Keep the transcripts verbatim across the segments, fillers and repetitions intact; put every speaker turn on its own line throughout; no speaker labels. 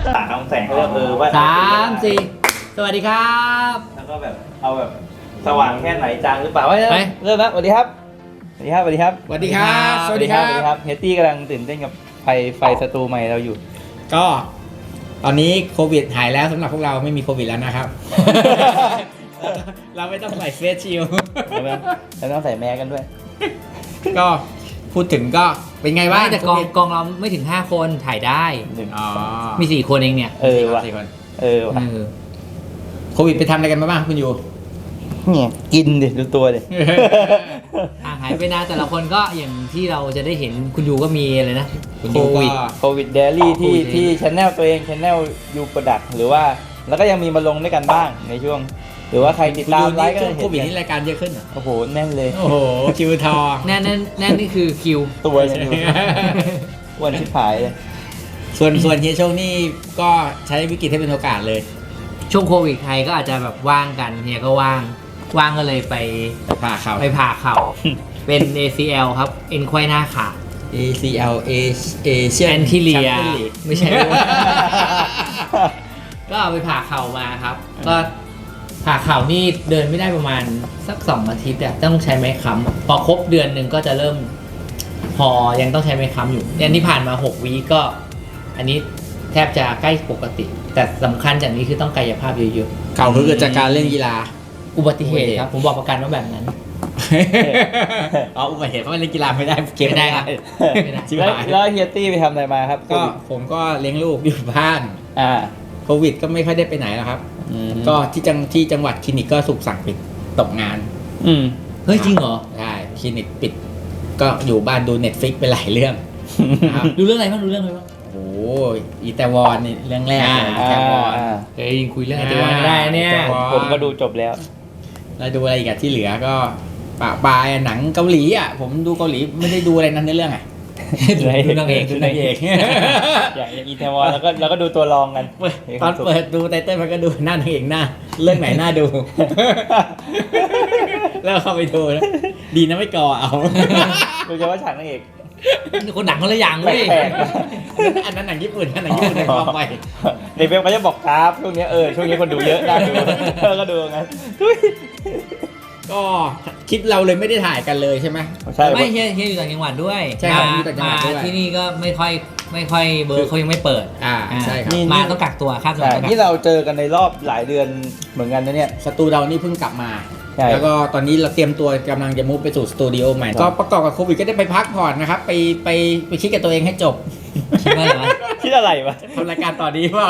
ตาของแสงเขาเรียกเออว่า
สามสี่สวัสดีครับ
แล้วก็แบบเอาแบบสว่างแค่ไหนจางหรือเปล่าว่าเริ่มแล้วสวัสดีครับสวัสดีครับสวัสดีครับ
สวัสดีครับสวัสดีครับ
สวัสดีครับเฮตตี้กำลังตื่นเต้นกับไฟไฟสตูใหม่เราอยู่
ก็ตอนนี้โควิดหายแล้วสำหรับพวกเราไม่มีโควิดแล้วนะครับ เราไม่ต้องใส่เฟสชิลด์
เราต้องใส่แมสกันด้วย
ก็พูดถึงก็เป็นไงบ้าง
แต่กองกองเราไม่ถึงห้าคนถ่ายได้
อ๋อ
มีสี่คนเองเนี่ย
เออว่ะเออว่ะ
โควิดไปทำอะไรกันมาบ้างคุณยู
เนี่ยกินดิดูตัวดิ
ห่างหายไปนานแต่ละคนก็อย่างที่เราจะได้เห็นคุณยูก็มีอะไรนะ
โควิดโควิดเดลี่ที่ที่ชแนลตัวเองชแนลยูโปรดักหรือว่าแล้วก็ยังมีมาลงด้วยกันบ้างในช่วงหรือว่าใครติดตามไลฟ์ก็เห็น
โควิดนี่รายการเยอะขึ้น
โอ้โหแน่นเลย
โอ้โหคิวทอง
แน่นแน่นแน่นนี่คือคิว
ตัวเลยวันชิบหายเลย
ส่วนส่วนเฮียโชคนี่ก็ใช้วิกฤตให้เป็นโอกาสเลย
ช่วงโควิดใครก็อาจจะแบบว่างกันเฮียก็ว่างว่างก็เลยไป
ผ่าเข่า
ไปผ่าเข่าเป็น เอ ซี แอล ครับเอ็นไขว้หน้าขา
เอ ซี แอล เอเอเชียน
ที่เลียไม่ใช่ก็เอาไปผ่าเข่ามาครับก็ผ่าเข่านี่เดินไม่ได้ประมาณสักสองอาทิตย์อะต้องใช้ไม้ค้ำพอครบเดือนหนึ่งก็จะเริ่มพอยังต้องใช้ไม้ค้ำอยู่อันนี้ผ่านมาหกวีก็อันนี้แทบจะใกล้ปกติแต่สำคัญจากนี้คือต้องกายภาพเยอะ
ๆเข่าคือเกิดจากการเล่นกีฬา
อุบัติเหตุครับผมบอกประกันว่าแบบนั้น
อ๋ออุบัติเหตุเพราะเล่นกีฬาไม่ได้เก็บ
ไม่ได้ครับ
แล้วเฮียตี้ไปทำอะไรมาครับ
ก็ผมก็เลี้ยงลูกอยู่บ้าน
อ่า
โควิดก็ไม่ค่อยได้ไปไหนแล้วครับก็ที่จังที่จังหวัดคลินิกก็ถูกสั่งปิดตกงาน
อืม
เฮ้ยจริงเหรอ
ใช่คลินิกปิดก็อยู่บ้านดู Netflix ไปหลายเรื่อง
ดูเรื่องอะไรบ้างดูเรื่องอะไรบ้าง
โอ้ยอีแตวอนนี่เรื่องแรกเลยอีแตวอน
เฮ้ยคุยเรื่องอีแตวอนได้เนี่ย
ผมก็ดูจบแล้ว
แล้วดูอะไรอีกที่เหลือก็ปะปลายหนังเกาหลีอ่ะผมดูเกาหลีไม่ได้ดูอะไรนั้นในเรื่องอ่ะ
ดูนางเอกดูนางเอก
อย่างอีเทวอนแล้วก็แล้วก็ดูตัวรองกัน
ตอนเปิดดูไตเติ้ลมันก็ดูหน้านางเอกหน้าเรื่องไหนหน้าดูแล้วเข้าไปดูนะดีนะไม่ก่อเอา
ดูเฉพาะฉากนางเอก
คนหนังคนละอย่างเลย
อันนั้นหนังญี่ปุ่นอันนั้นหนังญี่ปุ่นในความไป
ในเว็บเขาจะบอกกราฟช่วงนี้เออช่วงนี้คนดูเยอะน่าดูก็ดูงั้น
ก็คลิปเราเลยไม่ได้ถ่ายกันเลยใช่ไหม
ใช่ไม่เฮียเฮียอยู่ต่างจังหวัดด้วย
ใช่ครับอยู่ต่างจังหวัดด้วย
ที่นี่ก็ไม่ค่อยไม่ค่อยเบอร์เขายังไม่เปิด
อ่าใช่ครับ
มาต้องกักตัวครับ
ที่เราเจอกันในรอบหลายเดือนเหมือนกันนะเนี่ย
สตูเรานี่เพิ่งกลับมาแล้วก็ตอนนี้เราเตรียมตัวกำลังจะมุ่งไปสู่สตูดิโอใหม่ก็ประกอบกับโควิดก็ได้ไปพักผ่อนนะครับไปไปไปคิดกับตัวเองให้จบ
คิดอะไรวะ
คิดอะไรวะ
ทำรายการต่อดีเปล่า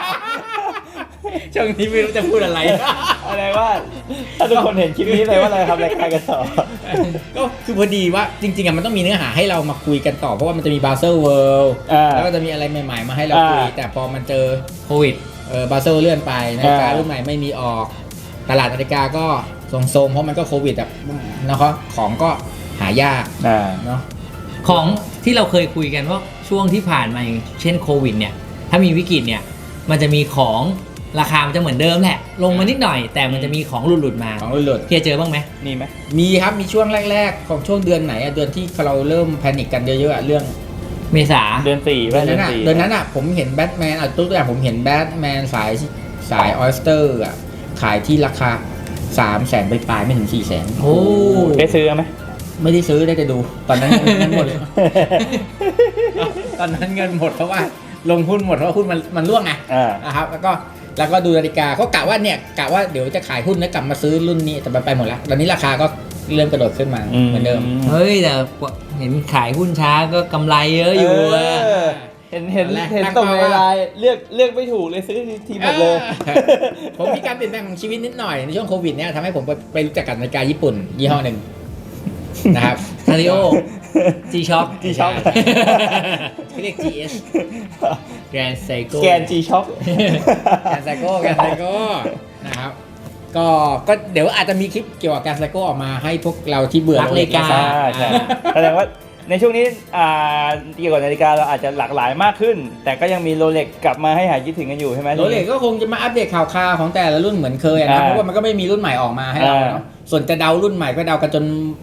ช่วงนี้ไม่รู้จะพูดอะไร
อะไรว่าถ้าทุกคนเห็นคลิปนี้เลยว่าเราทำรายการกันต่อ
ก็คือพอดีว่าจริงๆมันต้องมีเนื้อหาให้เรามาคุยกันต่อเพราะว่ามันจะมีบาเซลเวิลด์แล้วก็จะมีอะไรใหม่ๆมาให้เราคุยแต่พอมันเจอ
โควิด
เออบาเซลเลื่อนไปนาฬิการุ่นใหม่ไม่มีออกตลาดนาฬิกาก็ทรงๆเพราะมันก็โควิดแบบนะครับของก็หายากเนาะ
ของที่เราเคยคุยกันว่าช่วงที่ผ่านมาเช่นโควิดเนี่ยถ้ามีวิกฤตเนี่ยมันจะมีของราคามันจะเหมือนเดิมแหละลงมานิดหน่อยแต่มันจะมีของหลุดๆมา
ของหลุด
ๆเฮียเจอบ้างไหม
มีไหม
มีครับมีช่วงแรกๆของช่วงเดือนไหนอะเดือนที่เราเริ่มแพนิคกันเยอะๆเรื่อง
เมษา
เดือนสี่
เดือนนั้นอะเดือนนั้นอะผมเห็นแบทแมนอ่ะตัวอย่างผมเห็นแบทแมนสายสายออสเตอร์อะขายที่ราคาสามแสนไปปลายไม่ถึงสี่แสน
โอ้
ได้ซื้อไหม
ไม่ได้ซื้อได้แต่ดูตอนนั้นเงินหมดเลยตอนนั้นเงินหมดเพราะว่าลงหุ้นหมดเพราะหุ้นมันมันร่วงไงนะครับแล้วก็แล้วก็ดูนาฬิกาเขากะว่าเนี่ยกะว่าเดี๋ยวจะขายหุ้นแล้วกลับมาซื้อรุ่นนี้แต่ไปหมดแล้วตอนนี้ราคาก็เริ่มกระโดดขึ้นมาเหมือนเดิม
เฮ้ยแต่เห็นขายหุ้นช้าก็กำไรเยอะอยู่
เห็นเห็นเห็นตรงในไลน์เลือกเลือกไม่ถูกเลยซื้อทีหมดเลย
ผมมีการเปลี่ยนแปลงของชีวิตนิดหน่อยในช่วงโควิดเนี่ยทำให้ผมไปรู้จักกับนาฬิกาญี่ปุ่นยี่ห้อหนึ่งนะครับ
คาริโอ G-Shock
G-Shock
เขาเรียก จี เอส
Grand Seiko
แกน G-Shock
Grand Seiko Grand Seiko นะครับก็ก็เดี๋ยวอาจจะมีคลิปเกี่ยวกับ Grand Seiko ออกมาให้พวกเราที่เบื่อ
นาฬิกา
ใช่แสดงว่าในช่วงนี้เกี่ยวกับนาฬิกาเราอาจจะหลากหลายมากขึ้นแต่ก็ยังมีโรเล็กกลับมาให้หายคิดถึงกันอยู่ใช่ไหม
โรเล็กก็คงจะมาอัปเดตข่าวคราวของแต่ละรุ่นเหมือนเคยนะเพราะว่ามันก็ไม่มีรุ่นใหม่ออกมาให้เราเนาะส่วนจะเดารุ่นใหม่ก็เดากันจน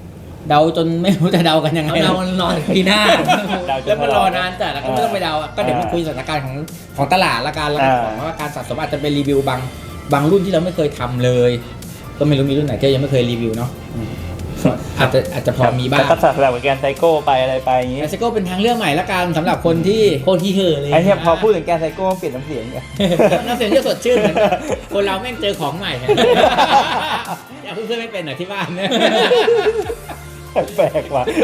เดาจนไม่รู้จะเดากันยังไง
เรานอนปีหน้า
เดาจ
แล้ว
น
มัน
ต
ร
ล
อ
อด
นานจัดแล้วก็ไม่ต้องไปเดาอะก็เดี๋ยวมาคุยสถานการณ์ของของตลาดละกันแล้วก็
อ่า
ของว่าการสะสมอาจจะเป็นรีวิวบางบางรุ่นที่เราไม่เคยทำเลย ก็ไม่รู้มีรุ่นไหนที่ยังไม่เคยรีวิวเนาะอาจจะอาจจะพอมีบ้าง
แล้วก็สลับกับแกนไซโก้ไปอะไรไปอย่างงี้
แอสโก้เป็นทางเลือกใหม่ละกันสำหรับคนที่
โคตรที่เห่อเลย
ไอ้เนี่ยพอพูดถึงแกนไซโก้เปลี่ยนน้ำเสียงเนี่ย
น้ำเสียงจะสดชื่นเหมือนกันคนเราแม่งเจอของใหม่ฮะอย่าเพิ่งไม่เป็นหน่อยที่บ้านนะ
แปลกว่ะ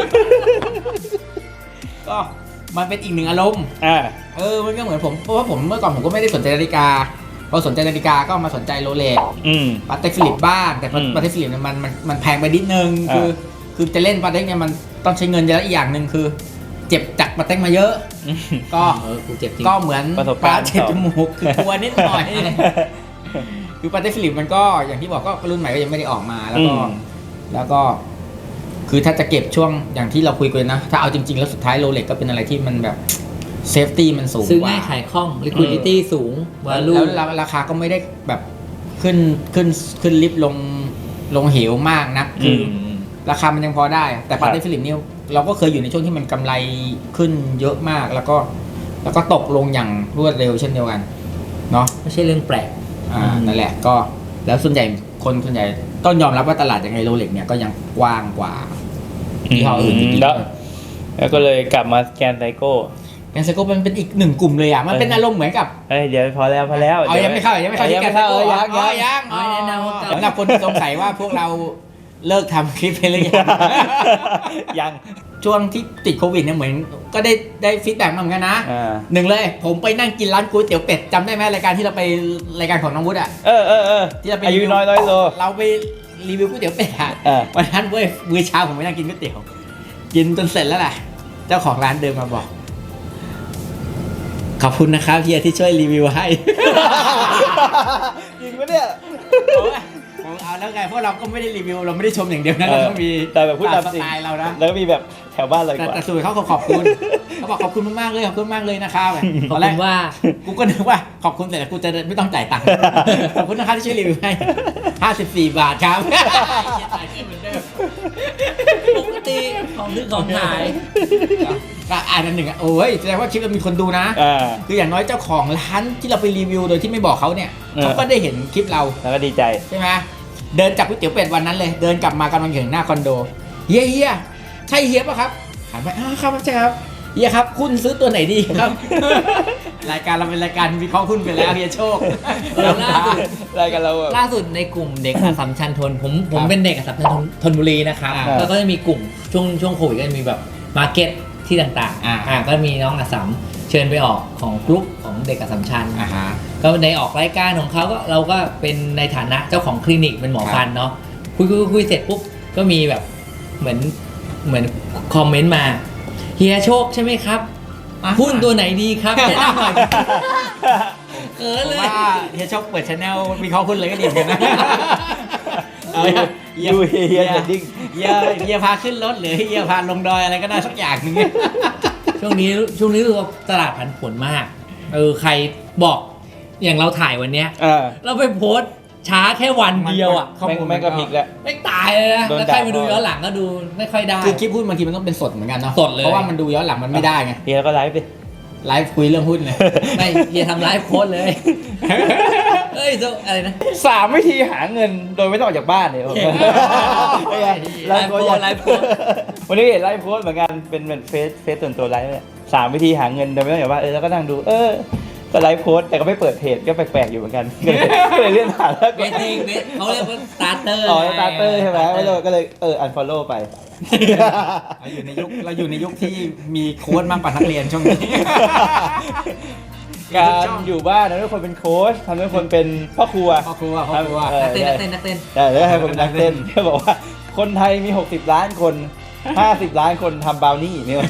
ก็มันเป็นอีกหนึ่งอารมณ์
อ่า
เออมันก็เหมือนผมเพราะว่าผมเมื่อก่อนผมก็ไม่ได้สนใจนาฬิกาพอสนใจนาฬิกาก็มาสนใจโรเล็ก
อืม
ปาเต็กฟิลิปบ้างแต่
อืม
ปาเต็กฟิลิปเนี่ยมันมันมันแพงไปนิดนึง
อ่า
คือคือจะเล่นปาเต็กเนี่ยมันต้องใช้เงินเยอะอีกอย่างหนึ่งคือ เจ็บจากปาเต็กมาเยอะ
อืม
ก็
เออกูเจ็บจริง
ก็เหมือน
ประสบการณ์
ปลเจ็บจมูกคือกลัวนิดหน่อย คือปาเต็กฟิลิปมันก็อย่างที่บอกก็รุ่นใหม่ก็ยังไม่ได้ออกมาแล้วก็
อืม
แล้วก็ คือถ้าจะเก็บช่วงอย่างที่เราคุยกันนะ ถ้าเอาจริงๆแล้วสุดท้ายโรเล็กก็เป็นอะไรที่มันแบบเซฟตี้มันสูง
ซื้อก
ว่า
ง่ายขายคล่อง liquidity สูง value
แล้วราคาก็ไม่ได้แบบขึ้นขึ้นขึ้นลิฟต์ลงลงเหวมากนะ
อื
คือ
ม
ราคามันยังพอได้ แต่
ครั
ปา
บ
เต็กฟิลิปเนี่ยเราก็เคยอยู่ในช่วงที่มันกำไรขึ้นเยอะมาก แล้วก็แล้วก็ตกลงอย่างรวดเร็วเช่นเดียวกันเนาะ
ไม่ใช่เรื่องแปลก
อ่านั่นแหละก็แล้วส่วนใหญ่คนส่วนใหญ่ต้องยอมรับว่าตลาดยังไงโรเล็กเนี่ยก็ยังกว้างกว่ายี่ห้ออื่นจริงๆ
แล้วแล้วก็เลยกลับมาแกนไซโก้
แกนไซโก้มันเป็นอีกหนึ่งกลุ่มเลยอ่ะมันเป็นอารมณ์เหมือนกับ
เอ้ยเดี๋ยวพอแล้วพอแล้ว
เอายังไม่เข้ายังไม่เข้าที่แกนไซโก้
เออยัง
อ๋อ
ยัง
ยัง
อ๋อแนะนำว่าเก่า
สำหรับคนที่สงสัยว่าพวกเราเลิกทำคลิปไปหรือยัง
ยัง
ช่วงที่ติดโควิดเนี่ยเหมือนก็ได้ได้ฟีดแบ็กมาเหมือนกันนะ
อ่า
หนึ่งเลยผมไปนั่งกินร้านก๋วยเตี๋ยวเป็ดจำได้ไหมรายการที่เราไปรายการของน้องวุฒิอ่ะ
เออเออเออ
ที่เราไป
อายุน้อยร้อยโล
เราไปรีวิวก๋วยเตี๋ยวเป็ดอ่ะ
เออ
วันนั้นเว้ยมื้อเช้าผมไปนั่งกินก๋วยเตี๋ยวกินจนเสร็จแล้วแหละเจ้าของร้านเดินมาบอกขอบคุณนะครับเฮียที่ช่วยรีวิวให้
จริงปะเนี่ย
โอ้ยผมเอาแล้วไงเพราะเราก็ไม่ได้รีวิวเราไม่ได้ชมอย่างเดียวนะเราต้องมี
แต่แบบพูดตาม
ส
จริง
ไตล์เรานะ
แล้วก็มีแบบแถวบ้านเลย
แต่
กว่า
แต่สุดเขาก็ขอบคุณเขาบอกขอบคุณมากๆเลยขอบคุณมากเลยนะครับ
ขอบ
ตอนแร
คุ
ก
ณว่า
กูก็นึกว่าขอบคุณแต่กูจะไม่ต้องจ่ายตังค์ ขอบคุณนะครับที่ช่วยรีวิวให้ห้าสิบสี่บาทครับ จ่ายเงินเหมือนเดิม
ปกติของซื้อของขาย
ก็อ่านอันหนึ่งอ่ะโอ้ยแสดงว่าคลิปเรามีคนดูนะ
อ่า
คืออย่างน้อยเจ้าของร้านที่เราไปรีวิวโดยที่ไม่บอกเขาเนี่ย
เออ
เขาก็ได้เห็นคลิปเรา
แล้วก็ดีใจ
ใช่ไหมเดินจากก๋วยเตี๋ยวเป็ดวันนั้นเลย เดินกลับมากำลังถึงหน้าคอนโดเฮียเฮียใช่เฮียป่ะครับถามไปอ้าวครับใช่ครับเฮียครับคุณซื้อตัวไหนดีครับ รายการเราเป็นรายการวิเคราะห์หุ้นไปแล้วเฮียโชค
แล้วล่าสุด
รายการเราแบบ
ล่าสุดในกลุ่มเด็กอัสสัมชัญธนผมผมเป็นเด็กอัสสัมชัญธนธนบุรีนะครับ
อ่า
แล้วก็จะมีกลุ่มช่วงช่วงโควิดก็จะมีแบบมาร์เก็ตที่ต่าง
อ่า
ๆอ่าก็มีน้องอัสสัมเชิญไปออกของกลุ่มของเด็กอัสสัมชัญ
อ่าฮะ
ก็ในออกรายการของเขาก็เราก็เป็นในฐานะเจ้าของคลินิกเป็นหมอฟันเนาะคุยคุยคุยเสร็จปุ๊บก็มีแบบเหมือนเหมือนคอมเมนต์มาเฮียโชคใช่ไหมครับหุ้นตัวไหนดีครับแนะนำหน่อยเขิน
ผม
เลย
ว่าเฮียโชคเปิดช anel วิเคราะห์หุ้นเลยก็ดีเหมือนกันนะ เออ
ยูเฮียเดดดิ้ง
เฮียเฮียพาขึ้นรถหรือเฮียพาลงดอยอะไรก็ได้สักอย่างหนึง
ช่วงนี้ช่วงนี้รู้สึกว่าตลาดผันผวนมาก เออใครบอกอย่างเราถ่ายวันเนี้ย
อ่า
เราไปโพสต์ช้าแค่วันเดียวอ่ะ
ข้อ
แม่ง
มูล
แม่งก็พลิกแล้ว
ไม่ตายเลยนะ
โดน
แล้วใคร
ด่า
มาดูย้อนหลังก็ดูไม่ค่อยได้
คือคลิปหุ้นบางทีมันต้องเป็นสดเหมือนกันเนาะ
สดเลย
เพราะว่ามันดูย้อนหลังมันไม่ได้ไง
เฮียก็ไลฟ์ไป
ไลฟ์คุยเรื่องหุ้นเลย
ไม่เฮียทำไลฟ์โพสต์เลย เอ้ยโซอะไรนะ
สามวิธีหาเงินโดยไม่ต้องออกจากบ้านเนี่ยผม
เก่ง
เป็นไง
ไลฟ์โพสต์ไลฟ์โพสต์
วันนี้เห็นไลฟ์โพสต์เหมือนกันเป็นเหมือนเฟซเฟซส่วนตัวไลฟ์เนี่ยสามวิธีหาเงินโดยไม่ต้องออกจากบ้านเออแล้วก็นั่งดูเออก็ไลฟ์โพสต์แต่ก็ไม่เปิดเพจก็แปลกๆอยู่เหมือนกันก็เลยก็เลยเลื่อนผ่านแล้ว
เบสติ้งเบสเขาเรียกว่าสตาร์เตอร์
อ๋อสตาร์เตอร์ใช่ไหมไม่เลยก็เลยเอออันฟอลโล่ไป
เราอยู่ในยุคเราอยู่ในยุคที่มีโค้ดมากกว่านักเรียนช่วงนี้
การอยู่บ้านทำให้คนเป็นโค้ชทำให้คนเป็นพ่อครัว
พ่อครัวพ่อครัว
เออ
นักเต้นนักเต้นนักเต้น
แต่แล้วให้คนเป็นนักเต้นเขาบอกว่าคนไทยมีหกสิบล้านคนห้าสิบล้านคนทำบราวนี่เนี่ย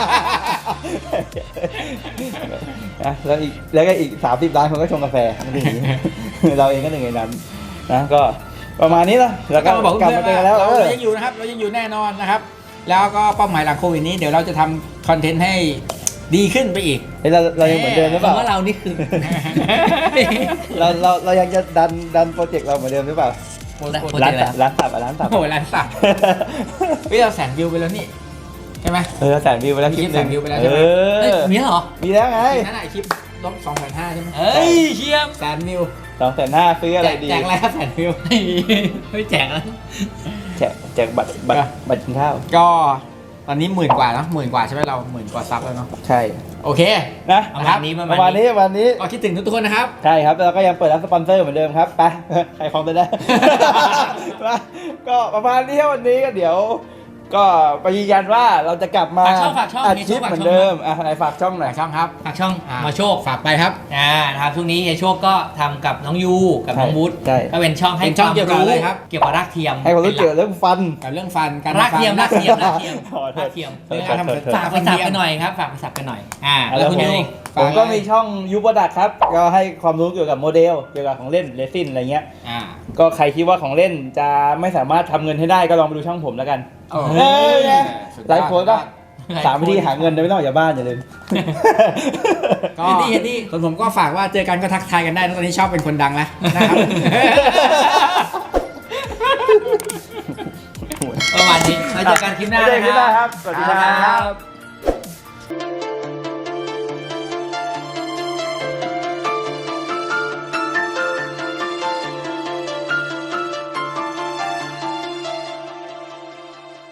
นะแล้วอีกแล้วก็อีกสามสิบล้านคนก็ชงกาแฟมันเป็นอย่างนี้เราเองก็หนึ่งในนั้นนะก็ประมาณนี้ละแล้วก็
ก็มาบอก
กลับ
เพื่อ
มาน เจอกันแล้ว
เรา
เออ
เรายังอยู่นะครับเรายังอยู่แน่นอนนะครับ แล้วก็เป้าหมายหลังโควิดนี้เดี๋ยวเราจะทำคอนเทนต์ให้ดีขึ้นไปอีก
เฮ้ยเราเรายังเหมือนเดิมหรือเปล่า
คำว่าเรานี่คือ
เราเราเรายังจะดันดันโปรเจกต์เราเหมือนเดิมหรือเปล่า
โปรโปร
ร้า
เจ
น
กต์อะไร
สับร้านสับอ่ะร้านสับ
โอ้โหร้านสับเฮ้ยเราแสนวิวไปแล้วนี่ใช่ไหม
เออแสนวิวไปแล้วคลิปหนึง
มีคลิปแสนวิวไปแล้ว
เอ
ใช่ไหม
เฮ้ย
อ
มีเหรอ
มีแล้วไง
นั่นแหละคลิปลบสองแสนห้าใช่ไหม
เอ้ยเชียม
แสนวิว
สองแสนห้าซื้ออะไรดี
แจกอะไรครับแสนวิว
ไม่แจกแล้ว
แจกแจกบัตรบัตร
อ่ะ
บัตรกินข้าว
ก็ตอนนี้หมื่นกว่าเนอะหมื่นกว่าใช่ไหมเราหมื่นกว่าซับแล้วเนาะ
ใช่
โอเค
นะ
ประมาณนี้ประ
ป
มา
ระ
ณ
มาณ
นี้
นี้ประมาณนี้
ก็คิดถึงทุกคนนะครับ
ใช่ครับแล้วก็ยังเปิดรับสปอนเซอร์เหมือนเดิมครับไป ใครคลองตัวได้ มาก็ประมาณนี้ครับวันนี้ก็เดี๋ยว ก็ไปยืนยันว่าเราจะกลับมา
ฝากช่องฝากช่อง
อัด
มี
คลิ
ช่
ป
องฝาก
เหมือน
ช่อง
เดิมอ่ะไหนฝากช่องหน่อย
ช่องครับ
ฝากช่อง
อ่ะ
มาโชค
ฝากไปครับ
อ่านะครับช่วงนี้เฮียโชคก็ทำกับน้องยูกับน้องวุฒิ
ใช่
ก็เป็นช่องให้
เป็นช่องเกี่ยวกับอะไรครับ
เกี่ยวกับรากเทียม
ให้ความรู้เกี่ยวกับเรื่องฟัน
กับเรื่องฟันการ
รากเทียม
ฟัน
รากเทียมรากเทียม
ขอโทษ
รากเทียม
เออ
เรื่องการทำ
เออ
ฝากไปสับกันหน่อยครับฝากไปสับกันหน่อยอ่า
แล้
แล้ว
ว
คุณ
ผม
ยู
ผมก็มีช่องยูบดักครับ ก็ให้ความรู้เกี่ยวกับโมเดล เกี่ยวกับของเล่นเรซินอะไรเงี้ย
อ่า
ก็ใครคิดว่าของเล่นจะไม่สามารถทำเงินให้ได้ก็ลองไปดูช่องผมแล้วกัน
โอ้โห
เอ้ยไง
สุดยอด
ไลฟ์โค้ดก็สามวิธีหาเงินโดยไม่ต้องออกจากบ้านอย่าลืม
ก็
เฮดดี้เฮดดี้
ส่วนผมก็ฝากว่าเจอกันก็ทักทายกันได้นะตอนนี้ชอบเป็นคนดังแล้วนะครับ
ประมาณนี้ไว้เจอกันคลิปหน้า
ไว้เจอกันคลิปหน้า
นะ
ครับ สวัสดีครับ
บ